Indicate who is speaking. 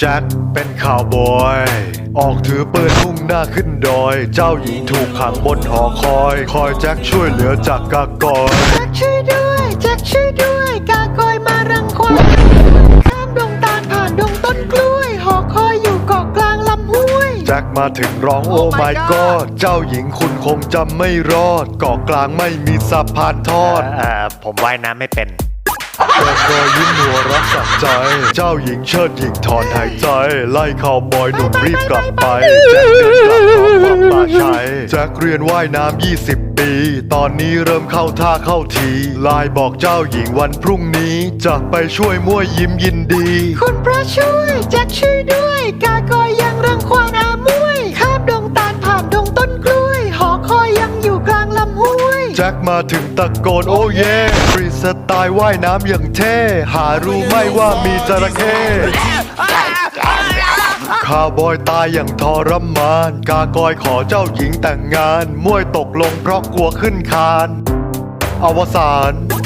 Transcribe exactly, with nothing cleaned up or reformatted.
Speaker 1: แจ็คเป็นข่าวบอยออกถือปืนมุ่งหน้าขึ้นดอยเจ้าหญิงถูกขังบนหอคอยคอยแจ็คช่วยเหลือจากกากอย
Speaker 2: แจ็คช่วยด้วยแจ็คช่วยด้วยกากอยมารังควานข้ามดงตาลผ่านดงต้นกล้วยหอคอยอยู่เกาะกลางลำห้วย
Speaker 1: แจ็คมาถึงร้องโอ้ my god เจ้าหญิงคุณคงจำไม่รอดเกาะกลางไม่มีสะพานทอด
Speaker 3: เอ่อผมว่ายน้ำไม่เป็น
Speaker 1: กากอยยิ้มหัวรักสักใจเจ้าหญิงเชิดหญิงถอนหายใจไล่ข่าวบอยหนุ่มรีบกลับไปแจ็คเดินกลับท้องวังป่าชัยแจ็คเรียนว่ายน้ำยี่สิบปีตอนนี้เริ่มเข้าท่าเข้าทีไลน์บอกเจ้าหญิงวันพรุ่งนี้จะไปช่วยมั่วยิ้มยินดี
Speaker 2: คุณพระช่วยแจ็คช่วยด้วยกากอยยังรังควานอามวยข้ามดงตาลผ่านดงต้นกล้วยหอคอยยังอยู่กลางลำห้วย
Speaker 1: แจ็คมาถึงตะโกนโอ้เย่ฟรีสไตล์ว่ายน้ำอย่างเท่หารู้ไหมว่ามีจระเข้ข้าวบอยตายอย่างทรมานกากอยขอเจ้าหญิงแต่งงานมวยตกลงเพราะกลัวขึ้นคานอวสาน